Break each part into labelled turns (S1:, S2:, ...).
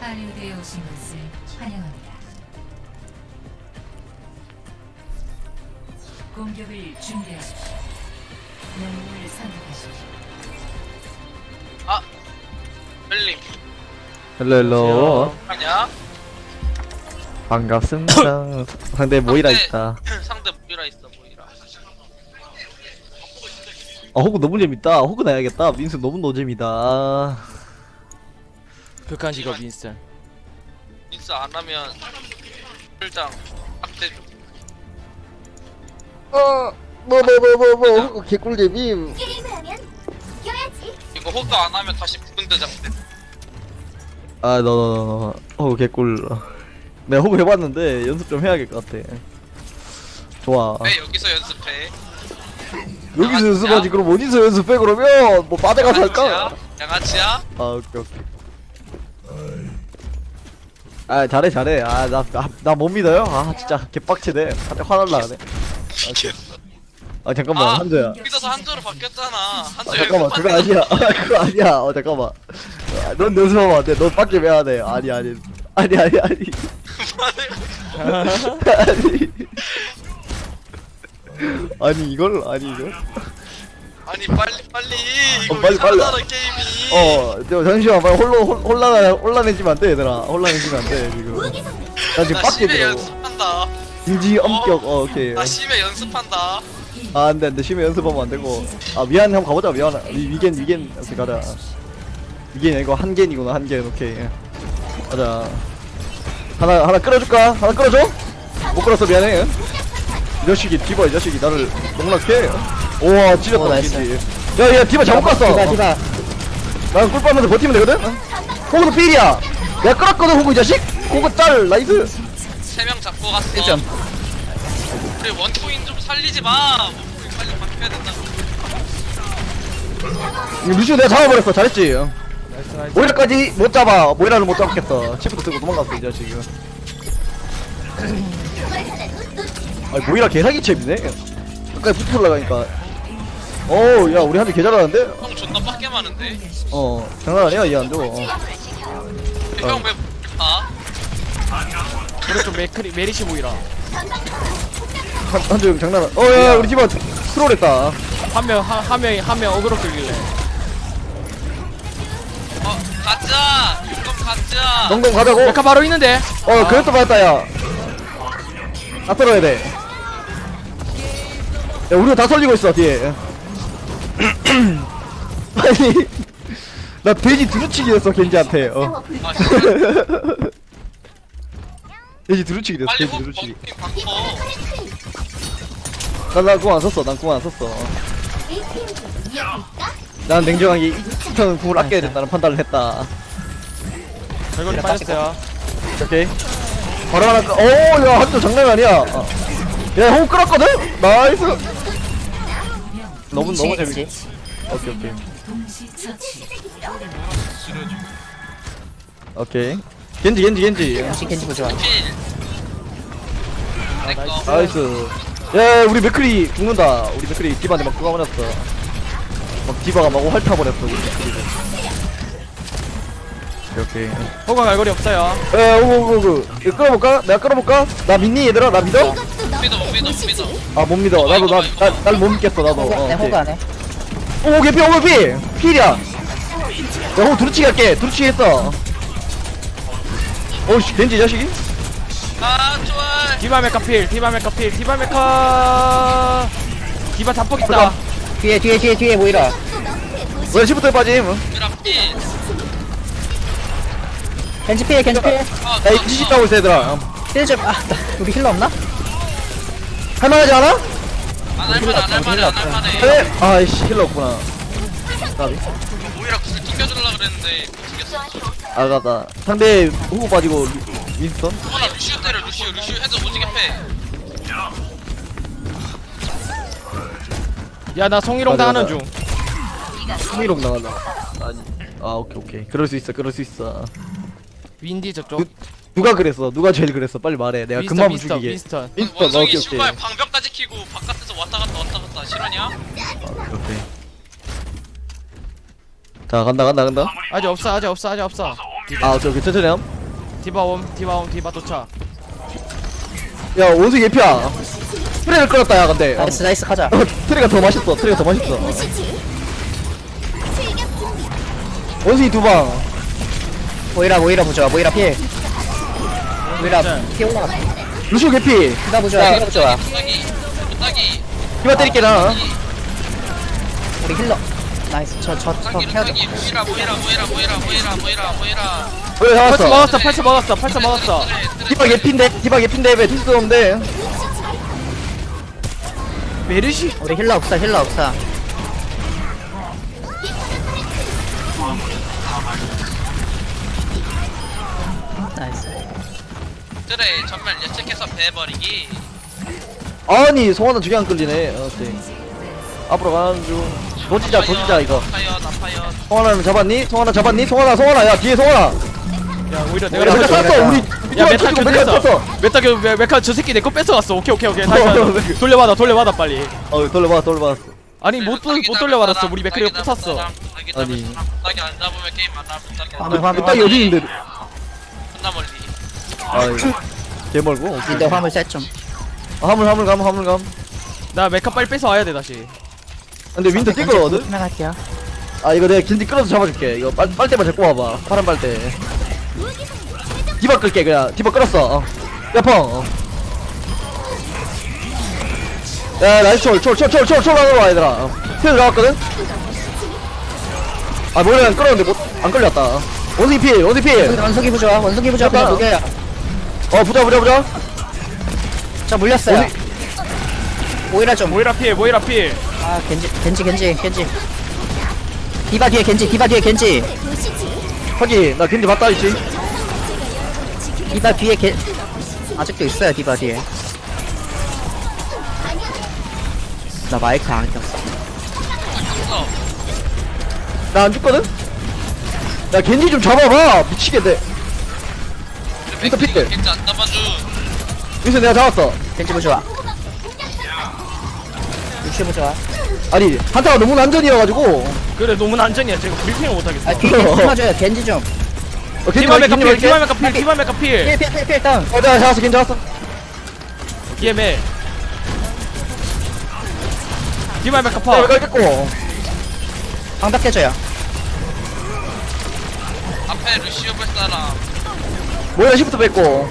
S1: 할리우드에 오신 것을 환영합니다. 공격을 준비하십시오. 영웅을 선택하십시오.
S2: 아! 벨림
S3: 헬로
S2: 아냐?
S3: 반갑습니다. 상대 모이라 있다.
S2: 상대 모이라 있어 모이라.
S3: 아 호구 너무 재밌다. 호구 나야겠다. 민수 너무 노잼이다.
S4: 극한 직업 윈스턴.
S2: 인스 안 하면 풀장 악대 좀.
S3: 뭐 호구 개꿀잼임.
S5: 게임을 하면 이겨야지.
S2: 이거 호그 안 하면 다시 붉은 대장 돼.
S3: 아 너 호구 개꿀. 내가 호구 해봤는데 연습 좀 해야 될 것 같아. 좋아.
S2: 왜 여기서 연습해?
S3: 여기서 연습하지. 그럼 어디서 연습해 그러면? 뭐 바다 가서 할까?
S2: 양아치야?
S3: 아 오케이. 아 잘해. 아 나 못 믿어요? 아 진짜 개빡치네. 갑자기 화날라 그래. 아 잠깐만 한조야.
S2: 믿어서 한조로 바뀌었잖아. 한조
S3: 잠깐만 그거 아니야. 그거 아니야. 잠깐만. 야, 넌 연습하면 안 돼. 넌 빡게 왜야 돼? 아니. 아니. 아니 이걸
S2: 아니 빨리 이거
S3: 빨리.
S2: 이상하잖아 게임이.
S3: 저 잠시만 빨리 혼란해지면 안 돼 얘들아. 혼란해지면 안 돼 지금. 나 지금
S2: 나
S3: 빡게
S2: 심해
S3: 들어.
S2: 연습한다.
S3: 인지 엄격. 오케이.
S2: 나 심해 연습한다.
S3: 아 안돼 심해 연습하면 안 되고. 아 미안 한번 가보자. 미안. 위겐 오케이 가자. 위겐 이거 한겐이구나. 한겐 오케이. 가자. 하나 끌어줄까? 하나 끌어줘? 못 끌었어 미안해. 이 자식이 디바 이 자식이 나를 농락해. 우와 찔렸다 왠지. 야야 디바 잘못 갔어. 디바. 난 꿀빠면서 버티면 되거든? 호구도 필이야. 내가 끌었거든 호구 이 자식? 호구 짤 나이스.
S2: 3명 잡고 갔어.
S3: 1점.
S2: 우리 원코인 좀 살리지 마. 원코인 빨리 바뀌어야 된다고.
S3: 루시오 내가 잡아버렸어. 잘했지? 모이라까지 못 잡아. 모이라를 못 잡겠어. 치프도 쓰고 도망갔어 이 자식이. 아니 모이라 개사기 챔이네. 가까이 붙어 올라가니까. 어우 야 우리 한대 개 잘하는데?
S2: 형 존나 빡게 많은데.
S3: 장난 아니야 이 한조.
S2: 형왜 봐?
S4: 오른쪽 메리시 보이라.
S3: 한조 장난 안. 야 우리 집안 트롤했다.
S4: 한 명 어그로 끌길래.
S2: 가자. 그럼 가자.
S3: 농동 가자고.
S4: 메카 바로 있는데.
S3: 그랬다 맞다 야. 다 떨어야 돼. 야 우리가 다 설리고 있어 뒤에. 아니 나 돼지 두루치기 됐어 겐지한테.
S2: 아 진짜
S3: 돼지 두루치기 됐어.
S2: 빨리
S3: 돼지
S2: 호
S3: 두루치기.
S2: 원코인 바꿔.
S3: 난 궁 안 썼어. 난 궁 안 썼어. 난 냉정하게 이편 궁을 아껴야 된다는 판단을 했다.
S4: 결국에 빠졌어요.
S3: 오케이. 바로 하나 끄. 야 한조 장난 아니야. 야 호흡 끌었거든. 나이스. 너무 재밌지. 오케이.
S1: 동시 처치.
S3: 오케이. 겐지.
S4: 겐지 보자.
S2: 필. 내꺼.
S3: 나이스. 야 우리 맥크리 죽는다. 우리 맥크리 디바한테 막 죽어버렸어. 막 디바가 막 핥아버렸어 우리 맥크리를. 오케이.
S4: 호가 갈고리 없어요.
S3: 오구 이거 끌어볼까? 내가 끌어볼까? 나 믿니 얘들아? 나 믿어?
S2: 못 믿어.
S3: 아 못 믿어. 나도 날 못 믿겠어 나도.
S6: 내 호그 안 해.
S3: 오 개피 필이야. 야 호구 두루치기 할게. 두루치기 했어. 오씨 겐지 이 자식이?
S2: 아 좋아.
S4: 디바 메카 필. 디바 잡폭 있다.
S6: 뒤에 보이라.
S3: 왜 시부터 빠짐?
S2: 미라 필.
S6: 겐지 피해.
S3: 야 이 뒤집 따고 있어 얘들아.
S6: 힐 좀. 우리 힐러 없나?
S3: 할만하지 않아?
S2: 안 할만해.
S3: 그래? 아이씨 힐러 없구나. 나비.
S2: 모이라 구슬 튕겨주려고 그랬는데 못 튕겼어.
S3: 아가다. 상대 호구 빠지고 윈스턴?
S2: 하나 루시우 때려 루시우 해도 오지게 패.
S4: 야 나 송이롱
S3: 맞아,
S4: 당하는
S3: 맞아.
S4: 중.
S3: 승리록 나간다. 아니. 아 오케이. 그럴 수 있어.
S4: 윈디 저쪽.
S3: 누가 그랬어? 누가 제일 그랬어? 빨리 말해. 내가 금방 죽이게.
S4: 윈스턴.
S3: 윈스턴.
S2: 원숭이
S3: 오케이.
S2: 신발 방벽까지 키고 바깥에서 왔다 갔다 실화냐?
S3: 오케이. 자 간다.
S4: 아직 없어.
S3: 아 오케이 천천히 함.
S4: 디바 도착.
S3: 야 원숭이 개피야. 트레를 끌었다 야 근데.
S6: 나이스 나이스 가자.
S3: 트레가 더 맛있어. 트레가 더 맛있어.
S5: 보시지. 출격 준비.
S3: 원숭이 두 방.
S6: 모이라 부좋아. 모이라 필. 모이라 피 올라갔어.
S3: 루시오 개피.
S6: 디바 부좋아. 디바 부좋아.
S2: 따기
S3: 이마 때릴게 나.
S6: 우리 힐러. 나이스. 저 헤어져.
S2: 따기 모이라
S3: 왜 잡았어?
S4: 펄스 먹었어.
S3: 디바 개피인데 왜 딜수 없는데?
S4: 메르시.
S6: 우리 힐러 없어. 나이스.
S2: 그래 정말 예측해서 배버리기.
S3: 아니 송하나 저게 안 끌리네. 오케이. 앞으로 가는 중. 도지자 이거.
S2: 나파요
S3: 송하나는 잡았니? 송하나 야 뒤에 송하나.
S4: 야 오히려
S3: 내가
S4: 내가
S3: 쐈어 우리.
S4: 야 메타
S3: 켰어.
S4: 켰어. 메타 저 새끼 내 거 뺏어갔어. 오케이. 다시 돌려받아 빨리.
S3: 돌려받았어.
S4: 아니 못 돌려받았어. 우리 맥크리가 붙었어.
S3: 아니.
S2: 따기 안 잡으면 게임 안 하면
S6: 화물
S3: 딱 어디 있는데?
S2: 존나 멀리.
S3: 아이. 개 멀고. 오케이.
S6: 근데 화물 셋 좀.
S3: 화물 감.
S4: 나 메카 빨리 뺏어 와야 돼 다시.
S3: 근데 윈터 뛸거거든?
S6: 생각할게요.
S3: 아 이거 내가 길디 끌어서 잡아줄게. 이거 빨대만 데리고 와봐. 파란 빨대. 디바 끌게 그냥. 디바 끌었어. 야 펑. 야 나이스 철 하러 와 얘들아. 필 나왔거든? 아 뭐야 끌었는데 안 끌렸다. 원숭이 필.
S6: 원숭이 부좋아. 그냥
S3: 잠깐.
S6: 녹여요.
S3: 부자.
S6: 저 물렸어요. 모이라 좀.
S4: 모이라 필.
S6: 아 겐지. 디바 뒤에 겐지.
S5: 보시지.
S3: 확인. 나 길디 봤다 있지.
S6: 디바 뒤에 아직도 있어요. 디바 뒤에. 나 마이크 안 켰어.
S3: 나 안 죽거든? 야 겐지 좀 잡아봐. 미치겠네. 윈터 픽들.
S2: 진짜 안 잡아줘.
S3: 여기서 내가 잡았어.
S6: 겐지 부좋아. 루시 부좋아.
S3: 아니 한타가 너무 난전이어가지고.
S4: 그래 너무 난전이야. 제가 브리핑을 못 하겠어.
S6: 아 뒤에 겐지 숨어줘요. 겐지 좀.
S4: 디바 메카 필.
S6: 필 다운.
S3: 내가 잡았어. 겐지 잡았어.
S4: DML. 디바 메카
S3: 야
S4: 파.
S3: 이거 깼고.
S6: 방벽 깨져요.
S2: 앞에 루시오 볼 사람.
S3: 모이라 시프트 뺐고.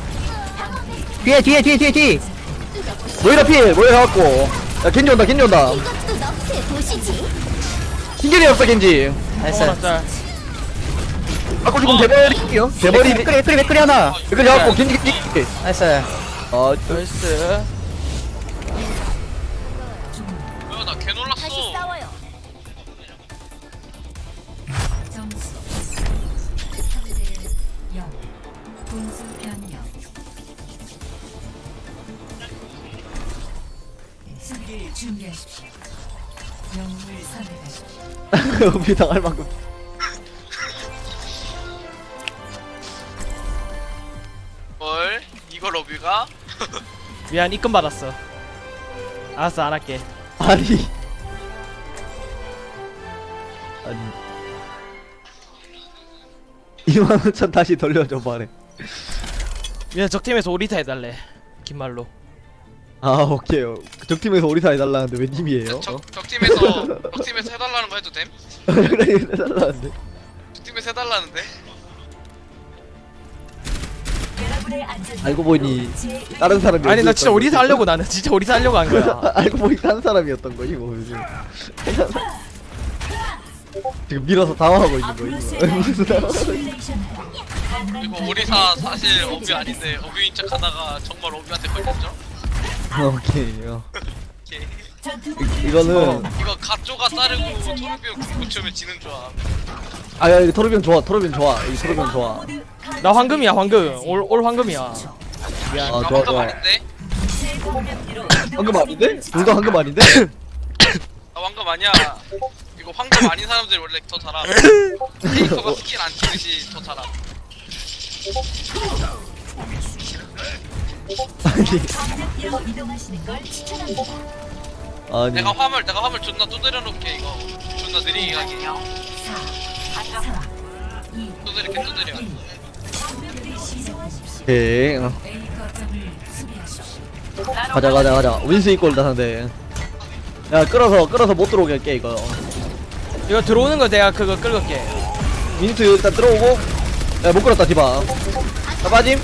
S6: 뒤에.
S3: 모이라 필. 모이라 잡았고. 야 겐지 온다.
S5: 이것도 너프에 보시지.
S3: 흰겐이 없어 겐지.
S6: 나이스.
S4: 짤.
S3: 아까 지금 대버리게요. 대버리.
S6: 맥크리 하나.
S3: 이거 잡았고 겐지.
S6: 나이스.
S3: 아
S4: 나이스.
S2: 뭐야 나 개 놀랐어.
S5: 다시 싸워요.
S1: 점수 3대 0. 공수 변경. 수비를 준비하십시오. 영웅을 선택하십시오.
S3: 은비 당할 만큼.
S2: 뭘? 이거 러비가?
S4: 미안 입금 받았어. 알았어 안 할게.
S3: 아니. 아니. 25,000 다시 돌려줘 말해.
S4: 미안 적팀에서 오리타 해달래. 긴 말로.
S3: 아 오케이. 적팀에서 오리사 해달라는데 왜 님이에요?
S2: 적팀에서 해달라는 거 해도 됨?
S3: 그래 해달라는데.
S2: 적팀에서 해달라는데?
S3: 알고 보니 다른 사람이.
S4: 아니 나
S3: 어디였던
S4: 진짜 오리사
S3: 거지?
S4: 하려고 나는 진짜 오리사 하려고 한 거야.
S3: 알고 보니 다른 사람이었던 거지 뭐 요즘. 지금 밀어서 당황하고 있는 거 이거. 무슨 당황하고 있어.
S2: 이거 오리사 사실 어뷰 아닌데 어뷰인 척 하다가 정말 어뷰한테 걸렸죠?
S3: 오케이.
S2: 오케이.
S3: 이거는
S2: 이거 가쪼가 따르고 토르비오 고치면 지는 줄 알아.
S3: 야 이거 토르비온 좋아. 이 토르비온 좋아.
S4: 나 황금이야 황금. 올 황금이야.
S3: 아
S2: 나
S3: 좋아.
S2: 황금 아닌데?
S3: 황금 아닌데? 둘 다 황금 아닌데?
S2: 나 황금 아니야. 이거 황금 아닌 사람들이 원래 더 잘함. 캐릭터가 스킬 안 치듯이 더 잘함.
S3: 아니.
S2: 내가 화물 존나 두드려 놓게 이거. 존나 느리게 가게. 두드려.
S3: 오케이.
S1: A 거점을 수비하십시오.
S3: 가자. 윈스 이꼴다 상대. 야 끌어서 못 들어오게 할게 이거.
S4: 이거 들어오는 거 내가 그거 끌을게.
S3: 윈스 일단 들어오고. 야 못 끌었다 디바. 자 빠짐.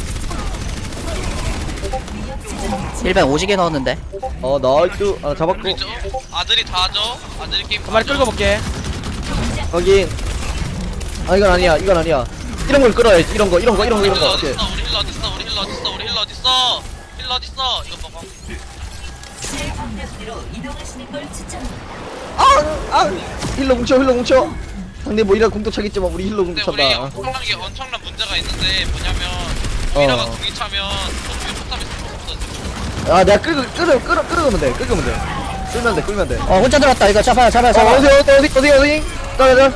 S6: 1벤 오지게 넣었는데.
S3: 나이스. 잡았고.
S2: 그죠? 아들이 다 하죠? 아들이 게임
S4: 한 마리
S2: 다 하죠?
S4: 끌고 볼게.
S3: 확인. 이건 아니야. 이런 걸 끌어야지. 이런 거.
S2: 우리 힐러
S3: 오케이.
S2: 어딨어? 우리 힐러 어딨어? 우리 힐러 어딨어? 우리 힐러 어딨어? 힐러 어딨어? 이거 봐봐.
S1: 제 방향으로 이동하시는 걸 추천합니다.
S3: 힐러 뭉쳐. 상대 뭐 이라 공도 차겠지만 우리 힐러
S2: 근데
S3: 공도
S2: 우리
S3: 찬다.
S2: 엄청난 문제가 있는데 뭐냐면 모이라가
S3: 어.
S2: 궁이 차면 소중에 포탑이 쓸수 없어.
S3: 내가 끌으면 돼. 끌면 돼.
S6: 혼자 들어왔다. 이거 잡아.
S3: 어디. 가자.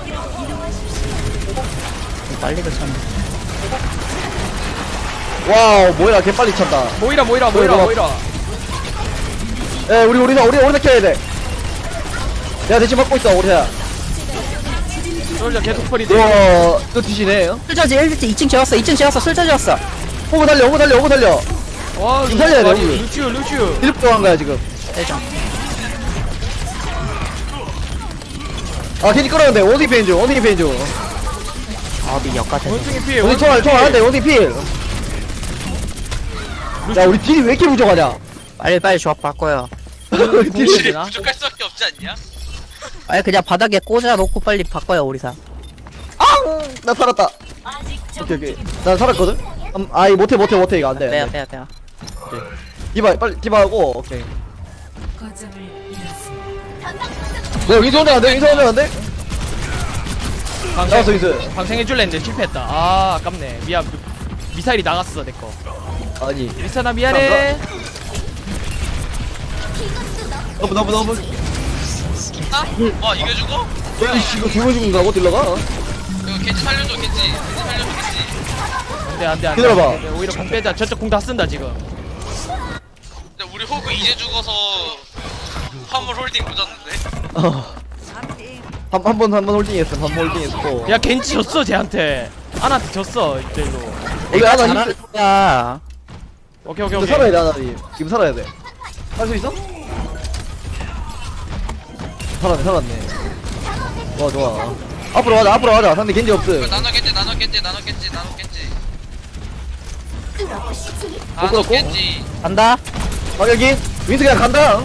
S6: 빨리 그쳤네.
S3: 와우, 뭐야, 개 빨리 찼다.
S4: 모이라.
S3: 에, 우리 켜야 돼. 야, 대신 막고 있어, 우리야.
S4: 솔저 계속 퍼리지.
S3: 우와, 또 뒤지네.
S6: 술자지 2층 재웠어. 술자 재웠어.
S3: 호구 달려.
S4: 와,
S3: 좀 살려야 돼,
S4: 아니,
S3: 우리.
S4: 루슈.
S3: 일곱 들어간 거야, 지금.
S6: 대장.
S3: 괜히 끌었는데, 원숭이 페인 중.
S6: 미 역같아.
S4: 원숭이 피해.
S3: 원숭이 총 하는데, 원숭이 필. 야, 우리 딜이 왜 이렇게 부족하냐?
S6: 빨리 조합 바꿔요.
S3: 딜이.
S4: 되나?
S2: 부족할 수밖에 없지 않냐?
S6: 그냥 바닥에 꽂아놓고 빨리 바꿔요 우리사.
S3: 나 살았다.
S1: 아직
S3: 오케이. 난 살았거든? 못해, 이거 안 돼.
S6: 빼야.
S3: 디바, 빨리, 디바하고, 오케이.
S1: 거점을 잃었습니다.
S3: 윈스 혼자 안 돼? 나왔어, 윈스.
S4: 방생해줄래 했는데 실패했다. 아깝네. 미안. 미사일이 나갔어 내거.
S3: 아니.
S4: 리사나 미안해.
S3: 너무.
S2: 와 이겨 죽어?
S3: 야이씨, 이거 죽어 죽는다고, 딜러가?
S2: 이거 겐지 살려줘 겐지.
S4: 안돼.
S3: 기다려봐.
S4: 오히려 공 빼자. 저쪽 공 다 쓴다 지금.
S2: 근데 우리 호그 이제 죽어서 화물 홀딩 늦었는데.
S3: 한 번 홀딩했고.
S4: 야 겐지 졌어 쟤한테. 아나한테 졌어 이대로.
S3: 이거 하나
S6: 잘하는 거야.
S4: 오케이.
S3: 근데 살아야 돼, 하나님. 지금 살아야 돼. 할 수 있어? 살았네. 좋아. 앞으로 가자. 상대 겐지 없음.
S2: 나눠 겐지.
S5: 뚫어보시지.
S2: 나눠
S3: 그렇고?
S2: 겐지.
S6: 간다.
S3: 여기 윈스 그냥 간다. 야,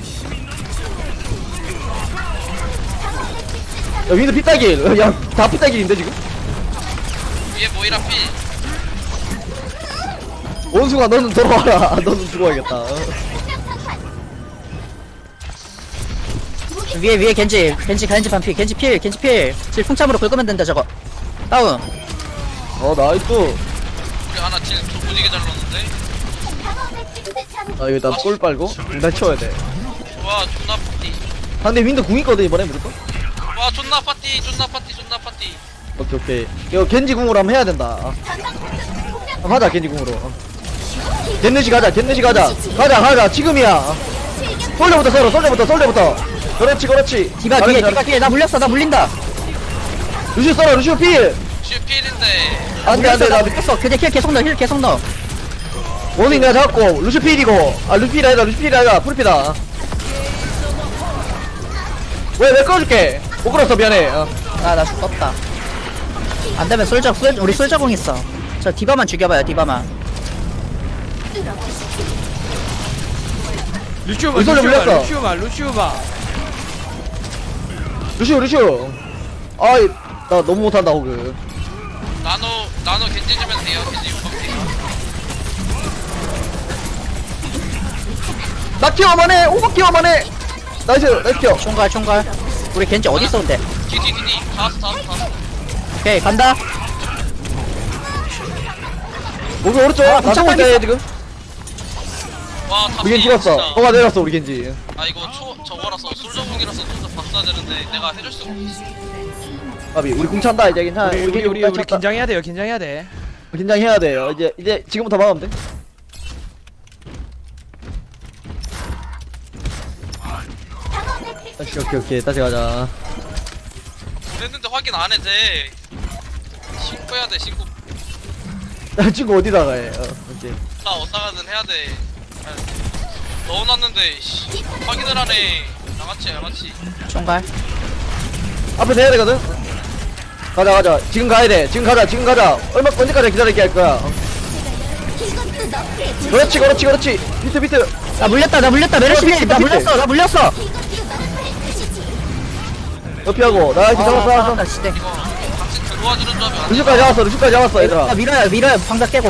S3: 윈스 피따길. 야, 다 피따길인데 지금?
S2: 위에 모이라 피.
S3: 원수가 너는 돌아와라. 너는 죽어야겠다.
S6: 위에 겐지 반피. 겐지 필. 질 풍참으로 긁으면 된다 저거. 다운.
S3: 나이스.
S2: 우리 하나 딜 조부지게 잘 넣었는데.
S3: 이거 일단 골 빨고 일단 치워야 돼.
S2: 와 존나 파티.
S3: 상대 윈도 궁 있거든 이번에 무조건.
S2: 와 존나 파티.
S3: 오케이. 이거 겐지 궁으로 한번 해야 된다. 하자 겐지 궁으로. 겐느시 가자. 가자. 지금이야. 솔레부터. 그렇지.
S6: 디바 뒤에 나 물린다.
S3: 루시오 써라. 루시오 필.
S2: 슈필인데.
S3: 안돼. 나
S6: 뺐어. 근데 힐 계속 넣어.
S3: 원인 내가 잡았고 루시오 필이고. 루시필 아니다. 풀피다. 왜 끌어줄게. 못 끌었어 미안해.
S6: 나 죽었다. 안 되면 우리 솔저공 있어. 저 디바만 죽여봐요.
S4: 루슈바.
S3: 루시오. 나 너무 못한다 호그.
S2: 나노 겐지 주면 돼요. 겐지 용감티.
S3: 나 키워만 해. 오버 키워만 해. 나이스 키워.
S6: 총괄. 우리 겐지 어디 있어 근데?
S2: 뒤. 다 왔어.
S6: 오케이 간다.
S3: 오그 오른쪽. 나
S6: 공차
S3: 보고 있대 지금.
S2: 와 다.
S3: 우리 겐지 죽었어. 허가 내렸어 우리 겐지.
S2: 이거 저거라서 솔저공이라서 좀더 박사야 되는데 내가 해줄 수가 없어.
S3: 아비 우리 궁 찬다 이제 괜찮아.
S4: 우리
S3: 겐지
S4: 긴장해야 돼요.
S3: 긴장해야 돼요. 이제 지금부터 막으면 돼. 오케이. 다시 가자.
S2: 그랬는데 확인 안 해 돼. 신고해야 돼 신고.
S3: 나 친구 어디다가 해 오케이
S2: 나 어디가든 해야 돼. 넣어놨는데 씨, 확인을 하네. 양아치.
S6: 총괄.
S3: 앞에 내야 되거든 가자 지금 가야 돼 지금 가자 언제까지 기다릴게 할 거야
S5: 이것도 너프의
S3: 그렇지 비트
S6: 나 물렸다 메르시님 나 물렸어
S5: 이것도 너프의 도시지.
S3: 옆이하고 나 이렇게 잡았어
S6: 나 시대.
S2: 이거 같이 들어와주는 조합이 안 돼.
S3: 루시까지 잡았어 얘들아
S6: 나 밀어요 방자 깨.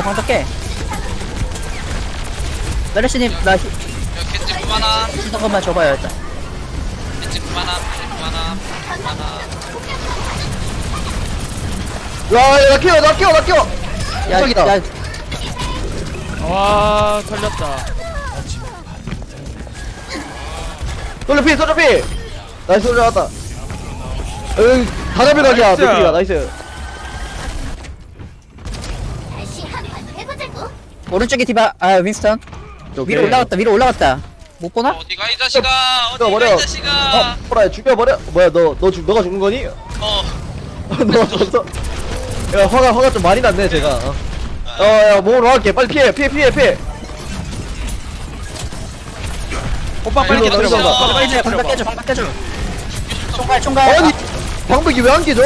S6: 메르시님 나
S2: 야, 겐지 그만함.
S6: 힘든 것만 줘봐요 일단.
S2: 겐지 그만함.
S3: 야나 키워
S6: 야,
S3: 저기다.
S6: 야,
S4: 와 털렸다.
S3: 솔저 피 나이스 솔저 왔다 다 잡혀가기야
S4: 나이스.
S3: 맥크리가 나이스
S5: 다시 한판 해보자고.
S6: 오른쪽에 디바 윈스턴 위로 올라갔다. 못 보나?
S2: 어디가 이 자식아.
S3: 죽여버려
S2: 어디가 이 자식아.
S3: 호라야 죽여버려 뭐야 너가 죽은 거니?
S2: 어.
S3: 너 졌어 야 화가 좀 많이 났네 제가 야 몸으로 할게 빨리 피해
S4: 오빠 빨리
S3: 일로
S4: 들어가.
S3: 들어가.
S4: 빨리
S6: 방자
S4: 들어가.
S6: 깨줘. 총괄.
S3: 아니 방벽이 왜 안 깨져?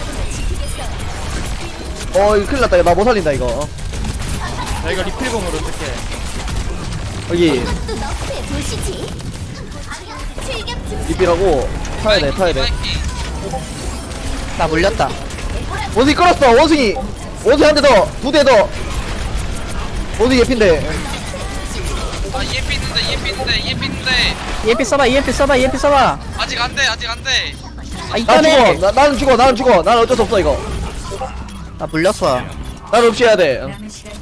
S3: 이거 큰일 났다 나 못 살린다 이거
S4: 나 이거 리필공으로 어떡해.
S3: 여기
S5: 이것도 너프의 도시지. 즐겁지.
S3: 리필하고 타야 돼
S6: 나 물렸다.
S3: 원숭이 끌었어 원숭이 한 대 더 두 대 더 원숭이 예핀데
S2: 아 EMP 있는데.
S6: EMP 써봐.
S2: 아직 안 돼.
S6: 아
S3: 나
S6: 이거네.
S3: 죽어 나는 죽어 나는 어쩔 수 없어 이거
S6: 나 물렸어.
S3: 나는 없이 해야 돼
S1: 남은 시간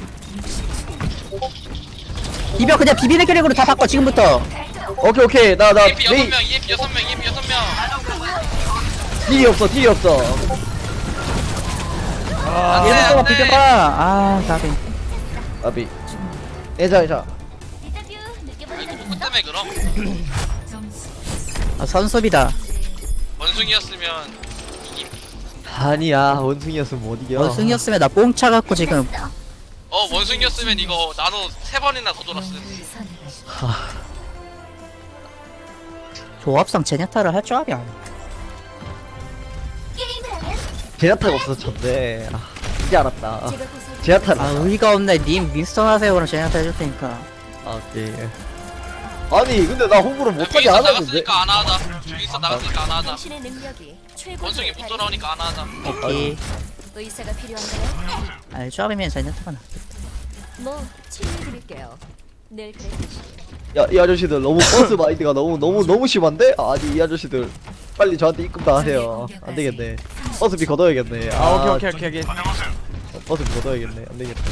S6: 비벼 그냥 비비는 캐릭으로 다 바꿔 지금부터.
S3: 오케이 나
S2: EMP 6명. EMP 6명.
S3: 딜이 없어
S4: 아,
S2: 안 돼,
S6: 얘도
S2: 안 돼.
S6: 비벼봐. 나비.
S3: 아비 애자
S2: 이거 뭐 때문에 그럼?
S1: 점수
S6: 선수비다.
S2: 원숭이였으면 이김.
S3: 아니야 원숭이였으면 못 이겨
S6: 원숭이였으면 나 뽕차 갖고 지금.
S2: 원숭이였으면 이거 나도 3번이나 더 돌았을 텐데.
S1: 선택하십시오.
S6: 조합상 제냐타를 할 조합이 아니야.
S5: 게임을 하면
S3: 제나타가 없어서 졌네 이제 알았다
S5: 제가 보살펴.
S3: 제나타를
S6: 의의가 없네. 님 윈스턴 하세요. 그럼 제냐타 해줄 테니까.
S3: 오케이 아니 근데 나 홍보를 못하게
S2: 여기서
S3: 안 하는데
S2: 나갔으니까 안 하자. 여기서 나갔으니까 안 하자.
S5: 당신의 능력이 최고조에
S2: 원숭이 못
S5: 달해.
S2: 돌아오니까 안 하자.
S6: 오케이.
S5: 의사가 필요한가요?
S6: 조합이면 제냐타가 나.
S5: 뭐 치료 드릴게요. 늘 그래.
S3: 이 아저씨들 너무 버스 마인드가 너무 심한데? 아니 이 아저씨들 빨리 저한테 입금 다 하세요 안되겠네 버스비 걷어야겠네
S4: 오케이.
S3: 버스비 걷어야겠네 안되겠네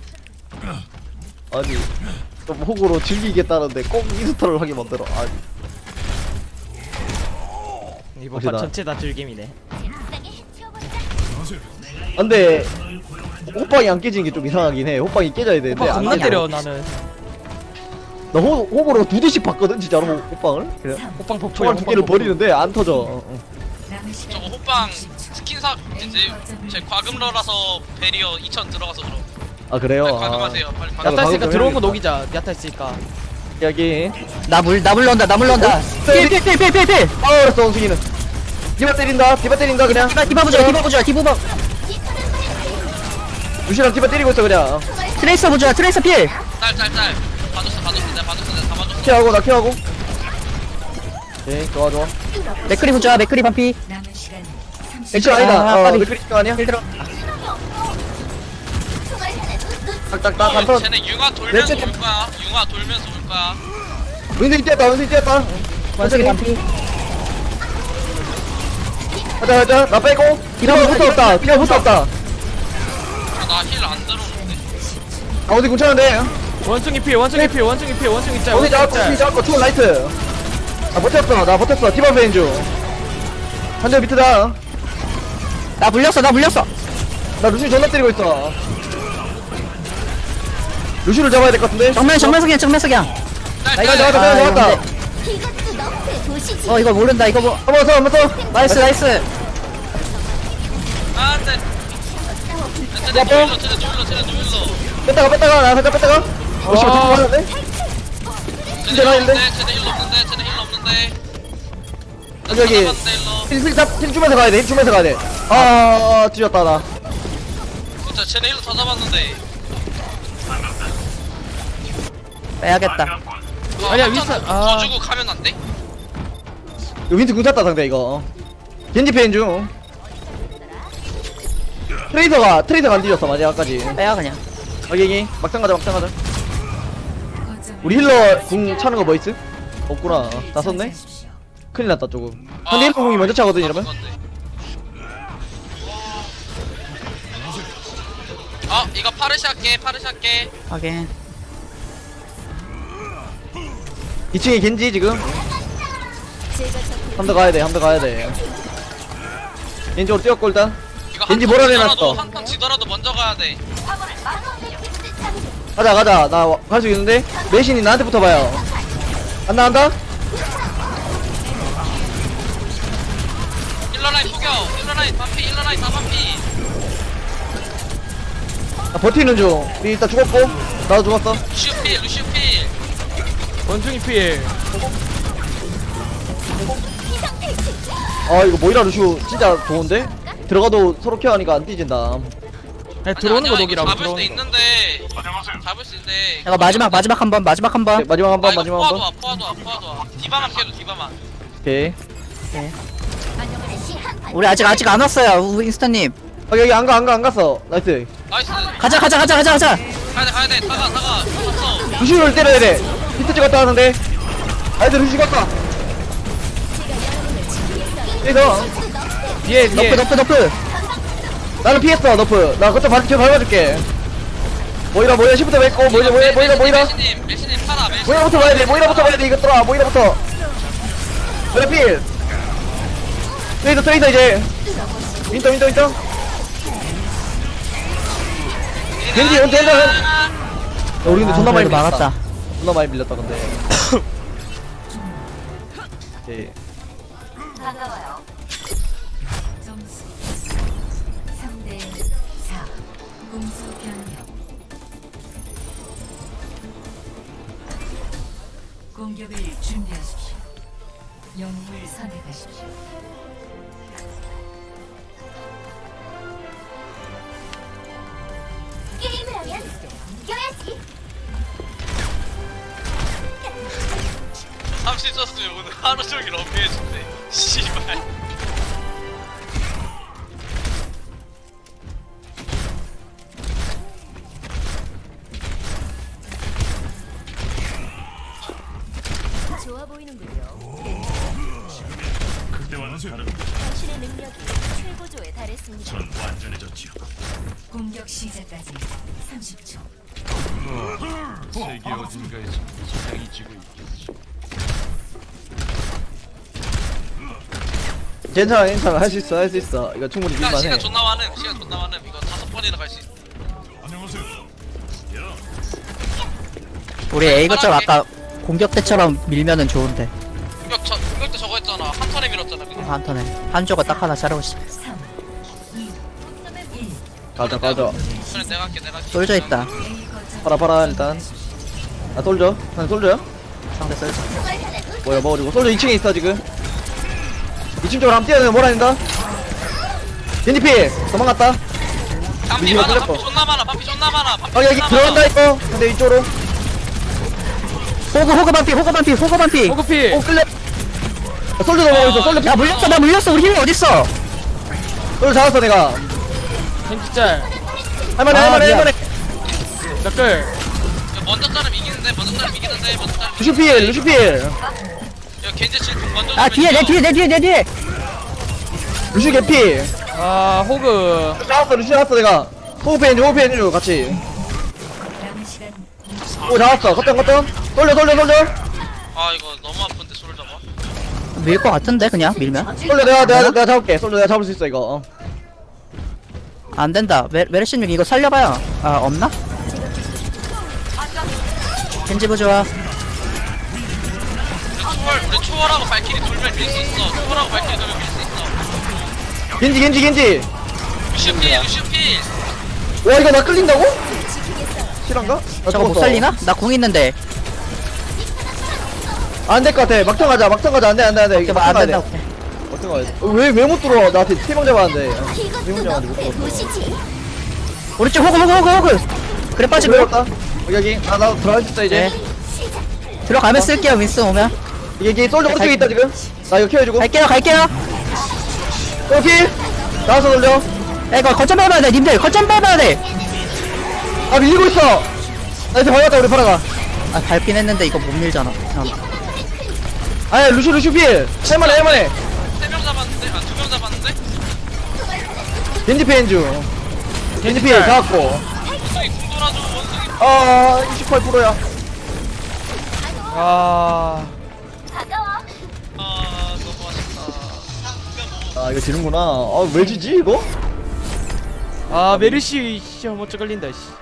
S3: 아니 좀 호구로 즐기겠다는데 꼭 인스톨을 하게 만들어 아니
S4: 이번
S3: 혹시
S4: 판
S3: 나-
S4: 전체 다 즐김이네.
S5: 세상에 치워버리자.
S3: 근데 호빵이 안 깨지는 게 좀 이상하긴 해 호빵이 깨져야 되는데
S4: 오빠
S3: 안
S4: 겁나
S3: 깨져.
S4: 때려 나는.
S3: 나 호구로 2대씩 봤거든 진짜로 호빵을 그래
S4: 호빵 폭포야.
S3: 총알 두 개를 버리는데 안 터져
S1: 남은 시간
S2: 저거 호빵 스킨사 이제 제 과금러라서 베리어 2000 들어가서 그럼.
S3: 아 그래요?
S2: 빨리 과금하세요. 빨리 과금.
S4: 야타 있으니까
S3: 방금
S4: 들어온 거
S3: 해야겠다.
S4: 녹이자. 야타 있으니까.
S3: 여기
S6: 나 물론다. 필.
S3: 알았어 원숭이는 디바 때린다 그냥
S6: 디바 보자.
S3: 루시랑 디바 때리고 있어 그냥
S6: 트레이서 보자. 트레이서 필.
S2: 짤. 봐줬어. 내가 다 봐줬어.
S3: 케어하고 나 케어하고 오케이 좋아
S6: 맥크리 보자. 맥크리 반피.
S1: 남은 시간 30초.
S3: 액션 아니다
S6: 빨리.
S3: 맥크리스가 아니야?
S6: 필 들어.
S5: 총알 하나도 놓치지
S3: 딱딱딱 한턴
S2: 쟤네 융화 돌면서
S3: 넷째
S2: 올 거야. 융화 돌면서 올 거야.
S3: 원숭이 뛰었다
S6: 원숭이 반피.
S3: 가자 나 빼고 디바 붙어 없다
S2: 나 힐 안 들어오는데.
S3: 아 어디 괜찮은데
S4: 원숭이 필. 원숭이 짤.
S3: 어디 잡았고 투어 라이트 나 버텼어 디바 페인 중한 대 밑에다
S6: 나 물렸어.
S3: 나 루시 존나 때리고 있어 루시를 잡아야 될 것 같은데
S6: 정면 석양.
S3: 나 이거 잡았다
S5: 이것도 너프의 도시지.
S6: 이거 모른다. 이거 뭐.
S3: 한번 더
S6: 나이스.
S2: 안돼. 쟤네 누일러 쟤네 누일러
S3: 뺐다가 나 살짝 뺐다가 어 씨발
S4: 아.
S3: 맞았네.
S2: 쟤네
S3: 힐
S2: 힐러
S3: 없는데?
S2: 쟤네 힐러 없는데
S3: 여기 힐 주면서 가야 돼힐 주면서 가야 돼. 뒤졌다 나.
S2: 진짜 쟤네 힐러 다 잡았는데
S6: 빼야겠다.
S4: 아니야, 윈스턴,
S2: 더 주고 가면 안 돼?
S3: 이거 윈트 궁 찼다 상대 이거. 겐지 페인 중. 트레이서가 안 뒤졌어 마지막까지.
S6: 빼야 그냥.
S3: 여기 막상 가자.
S1: 거점을
S3: 우리 힐러 궁 차는 거 뭐 있음? 없구나. 다 썼네.
S1: 선택하십시오.
S3: 큰일 났다 조금. 상대 힐러 궁이 먼저 차거든 이러면.
S2: 이거 파르시 할게
S6: 확인.
S3: 2층에 겐지 지금.
S5: 제가 적을
S3: 한 대 가야 돼. 겐지로 뛰었고 일단.
S2: 이거
S3: 겐지
S2: 한판
S3: 몰아내놨어.
S2: 지더라도, 한판 지더라도 먼저 가야 돼
S3: 가자. 나 갈 수 있는데. 메신이 나한테 붙어봐요. 안 나간다?
S2: 힐러라인 포겨 힐러라인 반피 힐러라인 다 반피
S3: 나 버티는 중. 우리 일단 죽었고. 나도 죽었어.
S2: 루시우 필
S4: 원중이 필.
S3: 이거 모이라 루슈 진짜 좋은데? 들어가도 서로 케어하니까 안 뒤진다.
S4: 아니, 들어오는 거
S2: 아니야,
S4: 녹이라고,
S2: 잡을 수
S4: 들어오는 거.
S2: 있는데 잡을 수 있는데
S6: 이거 마지막 한 번.
S3: 네, 마지막 한 번.
S2: 포화도 와 디바만 캐도 디바만
S3: 오케이.
S5: 다시 한판
S6: 우리 아직 안 왔어요, 윈스턴님.
S3: 여기 안 갔어. 나이스.
S2: 나이스
S6: 가자.
S2: 가야돼 다가 탔어
S3: 루슈를 때려야 돼. 히트 찍었다 하는데. 나이스 루슈 갔다. 여기서.
S4: 뒤에.
S6: 너프.
S3: 나는 피했어 너프. 나 그때 바로 밟아줄게. 모이라 시부터 맺고 모이라.
S2: 메시님 파라
S3: 모이라부터 봐야 돼. 모이라부터 이것들아. 모이라부터. 모이라 필. 트레이서 이제. 윈터. 겐지 온트 야, 우리 근데 존나 많이 밀렸다.
S6: 막았다.
S3: 존나 많이 밀렸다 근데. 오케이.
S1: 점수 3대 4. 공수 변경. 공격을 준비하십시오. 영웅을 선택하십시오.
S5: 게임을 하면 이겨야지.
S2: 잠시 썼으면 오늘 하루 종일 업해준대 씨발
S5: 좋아 보이는군요. 당신의 능력이 최고조에 달했습니다.
S1: 공격 시작까지 30초.
S7: 세계 어딘가에서 세상이 지고 있겠지.
S3: 괜찮아. 할 수 있어. 이거 충분히
S2: 시간
S3: 밀만해.
S2: 존나 많음 이거 5번이나 갈 수 있어
S6: 우리 A 거점 아까 공격 때처럼 밀면은 좋은데.
S2: 공격 때 저거 했잖아 한 턴에 밀었잖아 그냥
S6: 한 턴에 한조가 딱 하나 자르고 있어.
S1: 3, 2, 1.
S3: 가자.
S2: 그래 내가 할게
S6: 솔져 있다.
S1: A 거점
S3: 팔아 일단. 나 솔져. 난 솔져요?
S6: 상대 솔져.
S3: 뭐야 먹어주고. 솔져 2층에 있어 지금. 2층 쪽으로 한번 뛰어내면 뭐라 된다. 겐지피 도망갔다.
S2: 반피
S3: 이거
S2: 많아
S3: 끌렸고.
S2: 반피 존나 많아
S3: 여기 들어간다 이거. 근데 이쪽으로.
S6: 호그 반피.
S4: 호그 필.
S3: 끌려. 솔져 넘어가고 있어. 솔져.
S6: 야 물렸어. 우리 힐러 어딨어?
S3: 솔져 잡았어 내가.
S4: 겐지짤.
S3: 할만해.
S4: 너클.
S2: 먼저 자르면 이기는데
S3: 루슈필.
S2: 야 겐지 질풍 먼저
S6: 아 뒤에 내 뒤에.
S3: 루슈 개피.
S4: 호그.
S3: 루슈 잡았어 내가. 호흡해 줘 같이.
S1: 남은 시간
S3: 오 잡았어. 걷던. 솔져.
S2: 아 이거 너무 아픈데 소를 잡아
S6: 밀 것 같은데 그냥 밀면
S3: 솔져 내가 잡을게. 솔져 내가 잡을 수 있어 이거.
S6: 안 된다. 메르시님 이거 살려봐요. 아 없나? 겐지 부좋아.
S2: 우리 초월하고 발키리 돌면 밀 수 있어 초월하고 발키리 돌면 밀 수 있어
S3: 겐지.
S2: 루시필
S3: 와 이거 나 끌린다고? 실한가? 나
S6: 저거 못
S3: 죽었어.
S6: 살리나? 나 궁 있는데.
S3: 안 될 것 같아. 막상 가자. 안돼.
S6: 오케이,
S3: 이거
S6: 안
S3: 막상 가야 돼.
S6: 된다. 오케이.
S3: 막상 가야 돼. 왜 못 들어? 나한테 팀명 잡았는데. 팀명
S5: 이것도
S3: 잡았는데
S5: 너프의
S3: 못 들어.
S5: 도시지.
S6: 우리 쪽 호그. 그래 빠지고.
S3: 들어갔다. 여기 나 들어가 있다 이제.
S6: 네. 들어가면 쓸게요 윈스 오면.
S3: 이게 솔저 오른쪽에 있다 지금. 나 이거 케어해주고.
S6: 갈게요.
S3: 오케이. 나와서 돌려.
S6: 야 이거 거점 밟아야 돼 님들 거점 밟아야 돼.
S3: 아 밀리고 있어. 나 이제 밟았다 우리 파라가.
S6: 아 밟긴 했는데 이거 못 밀잖아.
S3: 아야 루슈 필. 할만해.
S2: 3명 잡았는데? 아 2명 잡았는데?
S3: 겐지 페인 중. 겐지 필 잡았고.
S2: 원숭이 궁 돌아줘 원숭이.
S3: 아 28%야.
S4: 아
S5: 가까워.
S2: 아 너무 아쉽다.
S3: 아 이거 지는구나. 아왜 지지 이거?
S4: 아 메르시 씨 먼저 걸린다 씨